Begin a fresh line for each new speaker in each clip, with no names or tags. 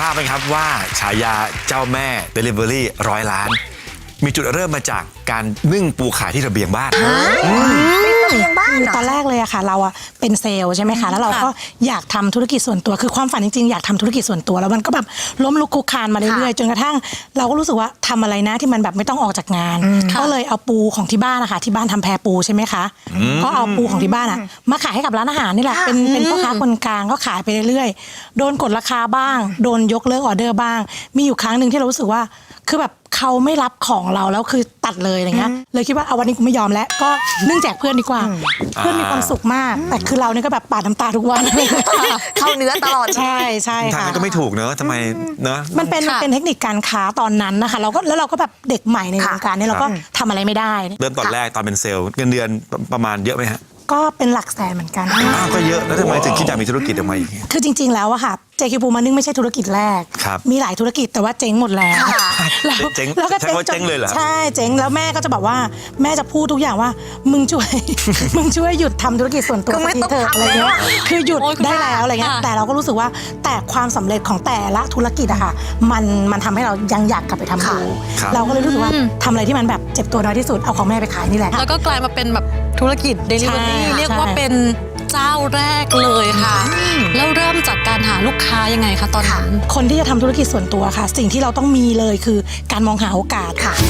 ราบไหมครับว่าฉายาเจ้าแม่ Delivery 100 ล้านมีจุดเริ่มมาจากการนึ่งปูขายที่ระเบียงบ้าน
ระเบียงบ้าน
ตอนแรกเลยอะค่ะเราอะเป็นเซลล์ใช่ไหมคะแล้วเราก็อยากทำธุรกิจส่วนตัวคือความฝันจริงๆอยากทำธุรกิจส่วนตัวแล้วมันก็แบบล้มลุกคลุกคลานมาเรื่อยๆจนกระทั่งเราก็รู้สึกว่าทำอะไรนะที่มันแบบไม่ต้องออกจากงานก็เลยเอาปูของที่บ้านนะคะที่บ้านทำแพปูใช่ไหมคะก็เอาปูของที่บ้านอะมาขายให้กับร้านอาหารนี่แหละเป็นพ่อค้าคนกลางก็ขายไปเรื่อยๆโดนกดราคาบ้างโดนยกเลิกออเดอร์บ้างมีอยู่ครั้งหนึ่งที่เรารู้สึกว่าคือแบบเขาไม่รับของเราแล้วคือตัดเลยอะไรเงี้ยเลยคิดว่าเอาวันนี้กูไม่ยอมแล้วก็นึ่งแจกเพื่อนดีกว่าเพื่อนมีความสุขมากแต่คือเราเนี่ยก็แบบปาดน้ำตาทุกวัน
เข้าเนื้อตลอด
ใช่ใช่ค่ะ
ทางนั้นก็ไม่ถูกเนอะทำไมเนอะ
มันเป็นเทคนิคการค้าตอนนั้นนะคะเราก็แบบเด็กใหม่ในวงการนี้เราก็ทำอะไรไม่ได้
เริ่มตอนแรกตอนเป็นเซลล์เงินเดือนประมาณเยอะไหมฮะ
ก็เป็นหลักแสนเหมือนกัน
ก็เยอะแล้วทำไมถึงคิดอยากมีธุรกิจออกมาอีก
คือจริงๆแล้วอะค่ะเจคิวปูมานึ่งไม่ใช่ธุรกิจแรกมีหลายธุรกิจแต่ว่าเจ๊งหมดแล้ว
แล้วก็เจ๊งเลยเหรอ
ใช่เจ๊งแล้วแม่ก็จะบอกว่าแม่จะพูดทุกอย่างว่ามึงช่วยหยุดทำธุรกิจส่วนตัวสักทีเถอะอะไรเงี้ยคือหยุดได้แล้วอะไรเงี้ยแต่เราก็รู้สึกว่าแต่ความสำเร็จของแต่ละธุรกิจอะค่ะมันทำให้เรายังอยากกลับไปทำดูเราก็เลยรู้สึกว่าทำอะไรที่มันแบบเจ็บตัวน้อยที่สุดเอาของแม่ไปขายนี่แหละ
แล้วก็กลายมาเป็นแบบธุรกิจ Delivery เรียกว่าเป็นเจ้าแรกเลยค่ะแล้วเริ่มจากการหาลูกค้ายังไงคะตอนนั้น
คนที่จะทำธุรกิจส่วนตัวค่ะสิ่งที่เราต้องมีเลยคือการมองหาโอกาสค่ะ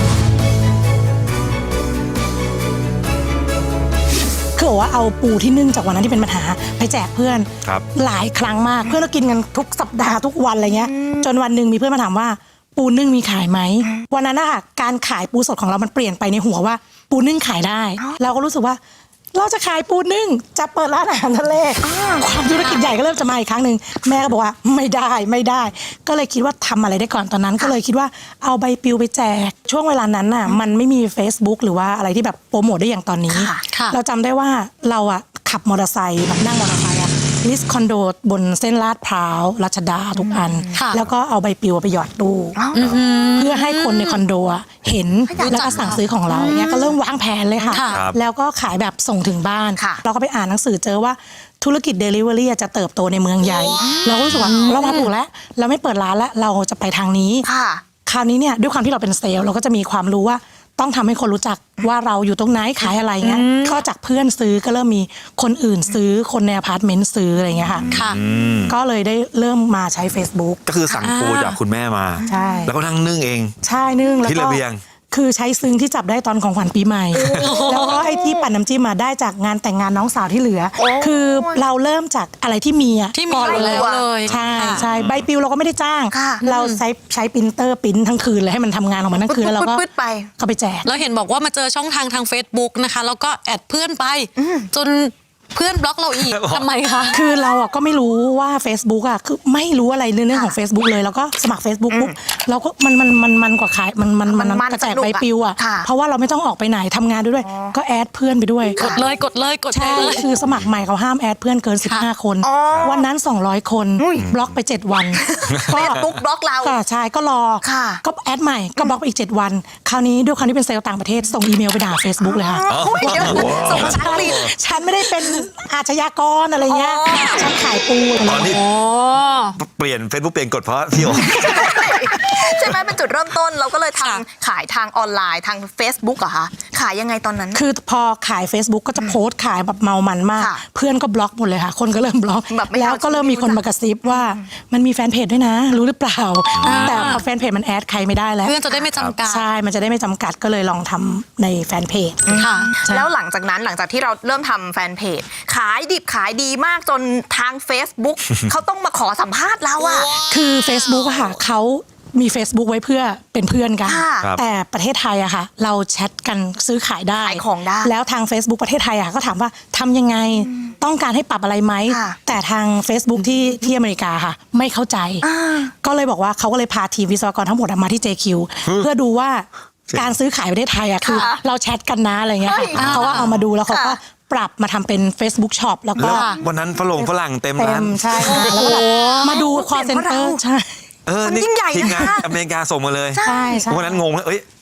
คือบอกว่าเอาปูที่นึ่งจากวันนั้นที่เป็นปัญหาไปแจกเพื่อนหลายครั้งมากเพื่อนเรากินกันทุกสัปดาห์ทุกวันอะไรเงี้ยจนวันหนึ่งมีเพื่อนมาถามว่าปูนึ่งมีขายไหมวันนั้นนะคะการขายปูสดของเรามันเปลี่ยนไปในหัวว่าปูนึ่งขายได้เราก็รู้สึกว่าเราจะขายปูนึ่งจะเปิดร้านอาหารทะเลความธุรกิจใหญ่ก็เริ่มจะมาอีกครั้งหนึ่งแม่ก็บอกว่าไม่ได้ก็เลยคิดว่าทำอะไรได้ก่อนตอนนั้นก็เลยคิดว่าเอาใบปลิวไปแจกช่วงเวลานั้นน่ะมันไม่มี Facebook หรือว่าอะไรที่แบบโปรโมทได้อย่างตอนนี้เราจำได้ว่าเราอะขับมอเตอร์ไซค์แบบนั่งมอเตอร์ไซค์ลิสต์คอนโดบนเส้นลาดพร้าวรัชดาทุกอันแล้วก็เอาใบปลิวไปหยอดตู้เพื่อให้คนในคอนโดเห็นแล้วก็สั่งซื้อของเราเนี่ยก็เริ่มวางแผนเลยค่ะแล้วก็ขายแบบส่งถึงบ้านเราก็ไปอ่านหนังสือเจอว่าธุรกิจ Delivery จะเติบโตในเมืองใหญ่เราก็รู้สึกว่าเรามาถูกแล้วเราไม่เปิดร้านแล้วเราจะไปทางนี้คราวนี้เนี่ยด้วยความที่เราเป็นเซลล์เราก็จะมีความรู้ว่าต้องทำให้คนรู้จักว่าเราอยู่ตรงไหนขายอะไรเงี้ยก็จากเพื่อนซื้อก็เริ่มมีคนอื่นซื้อคนในอพาร์ตเมนต์ซื้ออะไรเงี้ยค่ะก็เลยได้เริ่มมาใช้ Facebook
ก็คือสั่งปูจากคุณแม่มา
ใช่
แล้วก็นั่งนึ่งเอง
ใช่นึ่งแล้ว
ที่ระเบียง
คือใช้ซึ้งที่จับได้ตอนของขวัญปีใหม่แล้วก็ไอ้ที่ปั่นน้ำจิ้มมาได้จากงานแต่งงานน้องสาวที่เหลือคือเราเริ่มจากอะไรที่มีอ่ะ
ที่มีอยู่แล้วเลย
ใช่ใบปลิวเราก็ไม่ได้จ้างเราใช้ปรินเตอร์ปริ้นทั้งคืนเลยให้มันทำงานออกมาทั้งคืนแล้วเราก็ไปแจก
แล้วเห็นบอกว่ามาเจอช่องทาง Facebook นะคะแล้วก็แอดเพื่อนไปจนเพื่อนบล็อกเราอีกทำไมคะ
คือเราอ่ะก็ไม่รู้ว่า Facebook อ่ะคือไม่รู้อะไรเรื่องของ Facebook เลยแล้วก็สมัคร Facebook ปุ๊บเราก็มันกว่าขายมันกระจายใบปลิวอ่ะเพราะว่าเราไม่ต้องออกไปไหนทำงานด้วยก็แอดเพื่อนไปด้วย
กดเลย
ใช่คือสมัครใหม่เขาห้ามแอดเพื่อนเกิน15คนวันนั้น200คนบล็อกไป7วัน
ก็ปุ๊บบล็อกเรา
ใช่ก็รอก็แอดใหม่ก็บล็อกไปอีก7วันคราวนี้ด้วยความที่เป็นเซลล์ต่างประเทศส่งอีเมลไปด่า Facebook เลยค่ะ
ส่ง
ฉันไม่ได้เป็นอาชญากรอะไรเงี้ยฉันขายปู
ตอนนี้เปลี่ยน Facebook เปลี่ยนกฎเพราะพี่โอ
ใช่ไหมเป็นจุดเริ่มต้นเราก็เลยขายทางออนไลน์ทาง Facebook เหรอคะขายยังไงตอนนั้น
คือพอขาย Facebook ก็จะโพสต์ขายแบบเมามันมากเพื่อนก็บล็อกหมดเลยค่ะคนก็เริ่มบล็อกแล้วก็เริ่มมีคนมากระซิบว่ามันมีแฟนเพจด้วยนะรู้หรือเปล่าแต่พอแฟนเพจมันแอดใครไม่ได้แล้ว
เพื่อนจะได้ไม่จำกัด
ใช่มันจะได้ไม่จำกัดก็เลยลองทำในแฟนเพจ
ค่ะแล้วหลังจากที่เราเริ่มทำแฟนเพจขายดิบขายดีมากจนทาง Facebook เขาต้องมาขอสัมภาษณ์เราอะ
คือ Facebook อะค่ะเขามี Facebook ไว้เพื่อเป็นเพื่อนกันแต่ประเทศไทยอะค่ะเราแชทกันซื้อขายได้
ขายของได้
แล้วทาง Facebook ประเทศไทยอะก็ถามว่าทำยังไงต้องการให้ปรับอะไรไหมแต่ทาง Facebook ที่อเมริกาค่ะไม่เข้าใจก็เลยบอกว่าเขาก็เลยพาทีมวิศวกรทั้งหมดมาที่ JQ เพื่อดูว่าการซื้อขายประเทศไทยอะคือเราแชทกันนะอะไรเงี้ยเขาก็เอามาดูแล้วเขาก็ปรับมาทำเป็น Facebook Shop แล้วก็
วันนั้นฝรั่งเต็มร้าน
ใช่แล้วก็มาดูคอลเซ็นเตอร์ใช่
ยิ่งใหญ่
ทีมงานอเมริกาส่งมาเลย
ใช่
วันนั้นงงเลย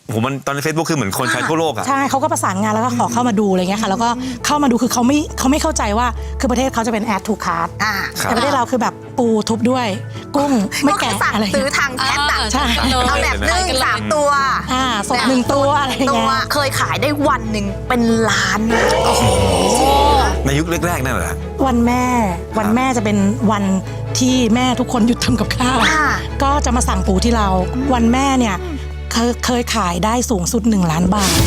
มันตอนใน Facebook คือเหมือนคนใช้ทั่วโลกอะ
ใช่เขาก็ประสานงานแล้วก็ขอเข้ามาดูอะไรเงี้ยค่ะแล้วก็เข้ามาดูคือเขาไม่เข้าใจว่าคือประเทศเขาจะเป็น add to cart
ครับ
แต่ประเทศเราคือแบบปูทุบด้วยกุ้งไม่
ก็คื
แกะ
อสั่ง
อะไร
ซื้อ
เงี้ย
ทางแชทอะ
ใช่
เอาแบบนึ่ง3 ตัว
สด1 ตัวอะไร
ตั
เงี้
วย เคยขายได้วันหนึ่งเป็นล้านนะ
ในยุคแรกๆนั่นแหละ
วันแม่จะเป็นวันที่แม่ทุกคนหยุดทำกับข้าว
ค่ะ
ก็จะมาสั่งปูที่เราวันแม่เนี่ยเคยขายได้สูงสุด1 ล้านบาท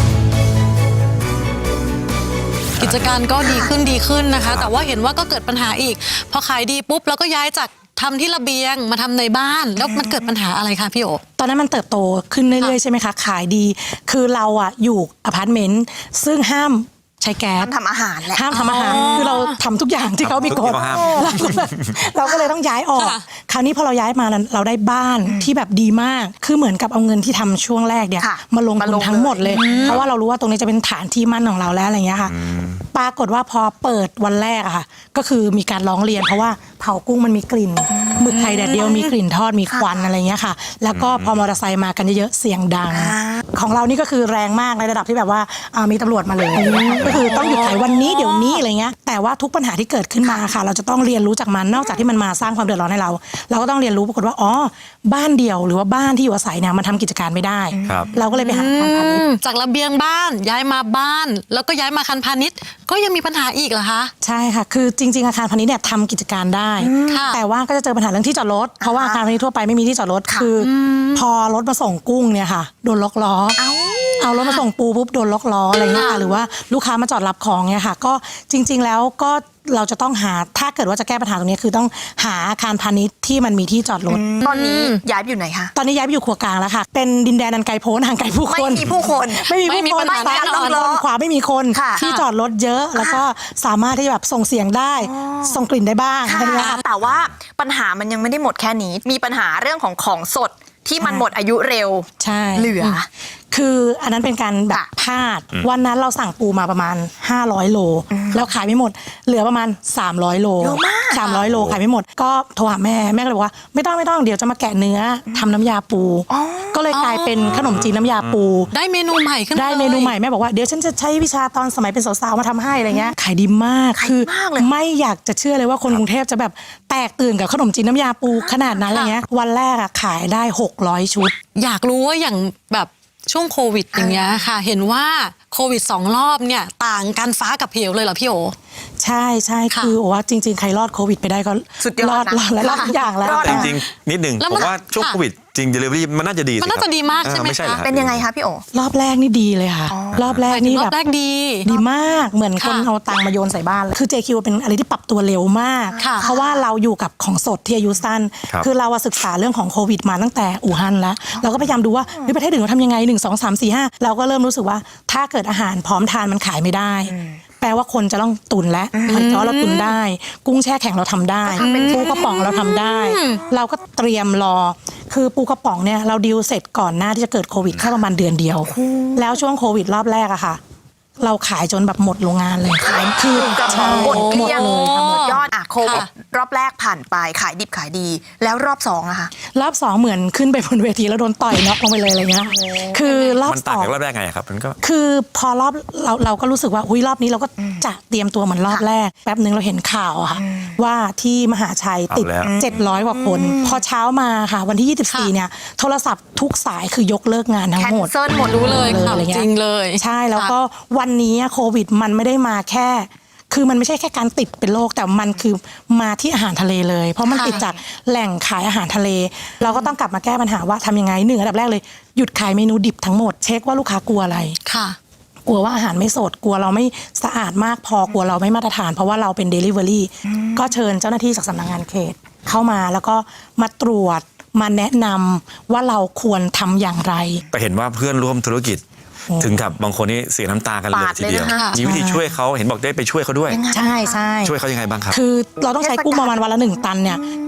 กิจการก็ดีขึ้นนะคะ แต่ว่าเห็นว่าก็เกิดปัญหาอีก พอขายดีปุ๊บแล้วก็ย้ายจากทำที่ระเบียงมาทำในบ้าน แล้วมันเกิดปัญหาอะไรคะพี่โอ
ตอนนั้นมันเติบโตขึ้นเรื่อยๆใช่ไหมคะขายดี คือเราอะอยู่อพาร์ตเมนต์ซึ่งห้ามใช้แก๊ส
ทำอาหารแหละ
ห้ามทำอาหารคือเราทำทุกอย่างที่เขามีกฎ
ทุกอย่างห้าม
เราก็เลยต้องย้ายออก
ค่ะ
คราวนี้พอเราย้ายมานั้นเราได้บ้านที่แบบดีมาก คือเหมือนกับเอาเงินที่ทำช่วงแรกเนี่ย
ค่ะ
มาลง
มา
ทุ
ล
น
ง
ทั้งหมดเลย เพราะว่าเรารู้ว่าตรงนี้จะเป็นฐานที่มั่นของเราแล้วอะไรเงี้ยค่ะ ปรากฏว่าพอเปิดวันแรกอะค่ะก็คือมีการร้องเรียน เพราะว่าเผากุ้งมันมีกลิ่นหมึกไข่แดดเดียวมีกลิ่นทอดมีควันอะไรเงี้ยค่ะ แล้วก็พอมอเตอร์ไซค์มากันเยอะๆเสียงดัง ของเรานี่ก็คือแรงมากในระดับที่แบบว่ามีตำรวจมาเลยก็คือต้องหยุดขายวันนี้เดี๋ยวนี้อะไรเงี้ยแต่ว่าทุกปัญหาที่เกิดขึ้นมาค่ะ เราจะต้องเรียนรู้จากมันนอกจากที่มันมาสร้างความเดือดร้อนให้เรา เราก็ต้องเรียนรู้ปรากฏว่าอ๋อบ้านเดี่ยวหรือว่าบ้านที่อยู่อาศัยเนี่ยมันทำกิจการไม่ได้
ครับ
เราก็เลยไปหาทางพาณิชย์
จากระเบียงบ้านย้ายมาบ้าน แล้วก็ย้ายมาอาคารพาณิชย์ก็ยังมีปัญหาอีกเหรอคะ
ใช่ค่ะ คือจริง ๆ อาคารพาณิชย์เนี่ยทำกิจการได้
ค่ะ
แต่ว่าก็จะเจอปัญหาเรื่องที่จอดรถ เพราะว่าอาคารพาณิชย์ทั่วไปไม่มีที่จอดรถ คืออพอรถมาส่งกุ้งเนี่ยค่ะ โดนล็อกล้อ เอารถมาส่งปูปุ๊บโดนล็อกล้ออะไรเงี้ยค่ะ หรือว่าลูกค้ามาจอดรับของเนี่ยค่ะ ก็จริง ๆ แล้วก็เราจะต้องหา ถ้าเกิดว่าจะแก้ปัญหาตรงนี้คือต้องหาอาคารพาณิชย์ที่มันมีที่จอดรถ
ตอนนี้ย้ายไปอยู่ไหนคะ
ตอนนี้ย้ายไปอยู่ครัวกลางแล้วค่ะ เป็นดินแดนอันไกลโพ้นห่างไกลผู้คน
ไม่มีผู้คน
ไม่มี
ไม่มี
ผู้คน
ปัญหา
ซ้าย
แน่นอน
มีคนขวาไม่มีคน
ค่ะ
ที่จอดรถเยอะ แล้วก็สามารถที่จะแบบส่งเสียงได้ ส่งกลิ่นได้บ้าง
ค่ะ
อะไรเงี้ยค่ะ
แต่ว่าปัญหามันยังไม่ได้หมดแค่นี้ มีปัญหาเรื่องของสดที่มันหมดอายุเร็ว
ใช่
เหลือ
คืออันนั้นเป็นการแบบ
ค่ะ
พลาด วันนั้นเราสั่งปูมาประมาณ500 โล แล้วขายไม่หมด เหลือประมาณ300 โล
เยอะมาก
300 โลขายไม่หมด ก็โทรหาแม่ก็เลยบอกว่าไม่ต้องเดี๋ยวจะมาแกะเนื้อทำน้ำยาปู ก็เลยกลายเป็นขนมจีนน้ำยาปู
ได้เมนูใหม่ขึ้น
ได้เมนูใหม่แม่บอกว่าเดี๋ยวฉันจะใช้วิชาตอนสมัยเป็นสาวๆมาทำให้อะไรเงี้ยขายดีมาก
ขาย
คือ
มากเลย
ไม่อยากจะเชื่อเลยว่าคนกรุงเทพจะแบบแตกตื่นกับขนมจีนน้ำยาปูขนาดนั้นอะไรเงี้ยวันแรกอะขายได้600 ชุด
อยากรู้ว่าอย่างแบบช่วงโควิดอย่างเงี้ยค่ะ เห็นว่าโควิด2 รอบเนี่ยต่างกันฟ้ากับเหวเลยเหรอพี่โอ
ใช่
ค่ะ
คือว่าจริง ๆ ใครรอดโควิดไปได้ก็
สุดยอดนะ
รอดทุกอย่างแล้ว
รอด
แต่จริงๆนิดหนึ่ง
แล้ว
ผ
มัน
มว่าช่วง
ค่ะ
โควิดจริง delivery มันน่าจะดีสิ
มันน่าจะดีมาก
เออ
ใช่ไหม
ไม่ใช่เหรอ
คะ
เป็นยังไงคะพี่โอ
รอบแรกนี่ดีเลยค่ะ รอบแรกนี่
รอ
แบบ บ
แรกดี
ดีมากเหมือนคน
ค่ะ
เอาตังค์มาโยนใส่บ้านเลยคือ JQ เป็นอะไรที่ปรับตัวเร็วมาก
ค่ะ
เพราะว่าเราอยู่กับของสดที่อายุสั้น
ครับ
คือเราอะศึกษาเรื่องของโควิดมาตั้งแต่อู่ฮั่นแล้วเราก็พยายามดูว่าเฮ้ยประเทศอื่นเขาทำยังไง1 2 3 4 5เราก็เริ่มรู้สึกว่าถ้าเกิดอาหารพร้อมทานมันขายไม่ได้ แปลว่าคนจะต้องตุนและหอยจ้อเราตุนได้ กุ้งแช่แข็งเราทำได้ปูกระป๋องเราทำได้ เราก็เตรียมรอ คือปูกระป๋องเนี่ยเราดีลเสร็จก่อนหน้าที่จะเกิดโควิดแค่ประมาณเดือนเดียว แล้วช่วงโควิดรอบแรกอะค่ะ เราขายจนแบบหมดโรงงานเลยขายคือก
ระป๋องหมดเกลี้ยง
หมดเลยค่ะหมด
ยอดโควิด
ค่ะ
รอบแรกผ่านไปขายดิบขายดี แล้วรอบ2อะค่ะ
รอบสองเหมือนขึ้นไปบนเวทีแล้วโดนต่อยน็อกลงไปเลยอะไรเงี้ยคือรอบ
มัน
ส
ต่าง
อง
จากรอบแรกไงครับมันก็
คือพอรอบเราก็รู้สึกว่าอุ้ยรอบนี้เราก็จะเตรียมตัวเหมือนรอบแรก แป๊บนึงเราเห็นข่าวอะค่ะ ว่าที่มหาชัยติด
เอาแล้ว
700 กว่าคน พอเช้ามาค่ะ วันที่ 24 เนี่ย โทรศัพท์ทุกสายคือยกเลิกงานทั้ง
แคน
หมด
เซิลหมด
รู้เลย
เลย
ค่ะ
อะไรเงี้ย
จริงเลย
ใช่แล้วก็วันนี้โควิดมันไม่ได้มาแค่ คือมันไม่ใช่แค่การติดเป็นโรคแต่มันคือมาที่อาหารทะเลเลย เพราะมัน
ค่ะ
ติดจากแหล่งขายอาหารทะเล เราก็ต้องกลับมาแก้ปัญหาว่าทำยังไงอันดับแรกเลยหยุดขายเมนูดิบทั้งหมดเช็คว่าลูกค้ากลัวอะไร
ค่ะ
กลัวว่าอาหารไม่สดกลัวเราไม่สะอาดมากพอกลัวเราไม่มาตรฐาน เพราะว่าเราเป็น Delivery ก็เชิญเจ้าหน้าที่จากสำนักงานเขตเข้ามาแล้วก็มาตรวจมาแนะนำว่าเราควรทำอย่างไร
ไปเห็นว่าเพื่อนร่วมธุรกิจ ถึงกับบางคนนี่เสียน้ำตากันเลย
ปาด
ทีเดียว
เลยนะคะ
มีวิธีช่วยเขาเห็นบอกได้ไปช่วยเขาด้วย
ใช่
ช่วยเขายังไงบ้างครับ
คือเราต้องใช้กุ้งประมาณวันละ1 ตันเนี่ย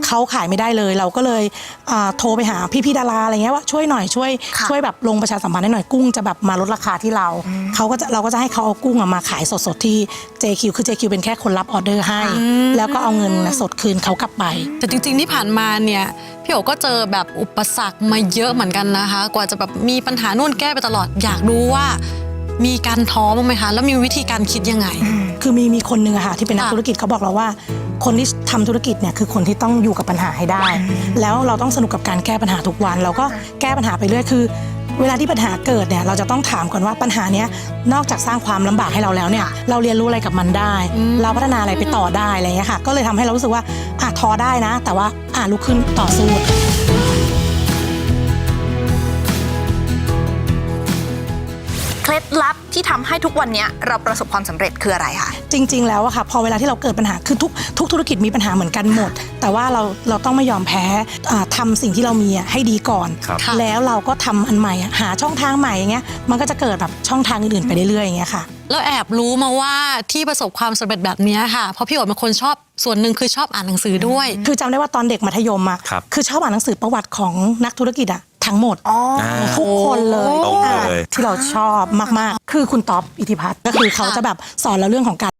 เขาขายไม่ได้เลยเราก็เลยโทรไปหาพี่ๆดาราอะไรเงี้ยว่าช่วยหน่อยช่วยแบบลงประชาสัมพันธ์ให้หน่อยกุ้งจะแบบมาลดราคาที่เราก็จะให้เขาเอากุ้งมาขายสดๆที่ JQ คือ JQ เป็นแค่คนรับออเดอร์ให้แล้วก็เอาเงินสดคืนเขากลับไป
แต่จริงๆที่ผ่านมาเนี่ยพี่โอก็เจอแบบอุปสรรคมาเยอะเหมือนกันนะคะกว่าจะแบบมีปัญหานู่นแก้ไปตลอดอยากรู้ว่ามีการท้อบ้างไหมคะแล้วมีวิธีการคิดยังไง
คือมีคนหนึ่งอะค่ะที่เป็นนักธุรกิจเขาบอกเราว่าคนที่ทำธุรกิจเนี่ยคือคนที่ต้องอยู่กับปัญหาให้ได้แล้วเราต้องสนุกกับการแก้ปัญหาทุกวันเราก็แก้ปัญหาไปเรื่อยคือเวลาที่ปัญหาเกิดเนี่ยเราจะต้องถามก่อนว่าปัญหาเนี้ยนอกจากสร้างความลำบากให้เราแล้วเนี่ยเราเรียนรู้อะไรกับมันได้เราพัฒนาอะไรไปต่อได้อะไรอย่างเงี้ยค่ะก็เลยทำให้เรารู้สึกว่าท้อได้นะแต่ว่าลุกขึ้นต่อสู้
เคล็ดลับที่ทำให้ทุกวันนี้เราประสบความสำเร็จคืออะไรคะ
จริงๆแล้วอะค่ะพอเวลาที่เราเกิดปัญหาคือทุกธุรกิจมีปัญหาเหมือนกันหมดแต่ว่าเราต้องไม่ยอมแพ้ทำสิ่งที่เรามีให้ดีก่อนแล้วเราก็ทำอันใหม่หาช่องทางใหม่อย่างเงี้ยมันก็จะเกิดแบบช่องทางอื่นๆไปเรื่อยๆอย่างเงี้ยค่ะ
แล้วแอบรู้มาว่าที่ประสบความสำเร็จแบบนี้ค่ะเพราะพี่โอ๋เป็นคนชอบส่วนหนึ่งคือชอบอ่านหนังสือด้วย
คือจำได้ว่าตอนเด็กมัธยมคือชอบอ่านหนังสือประวัติของนักธุรกิจทั้งหมดทุกคนเลยที่เราชอบมากๆคือคุณต๊อบอิทธิพัฒน์ก็คือเขาจะแบบสอนเราเรื่องของการ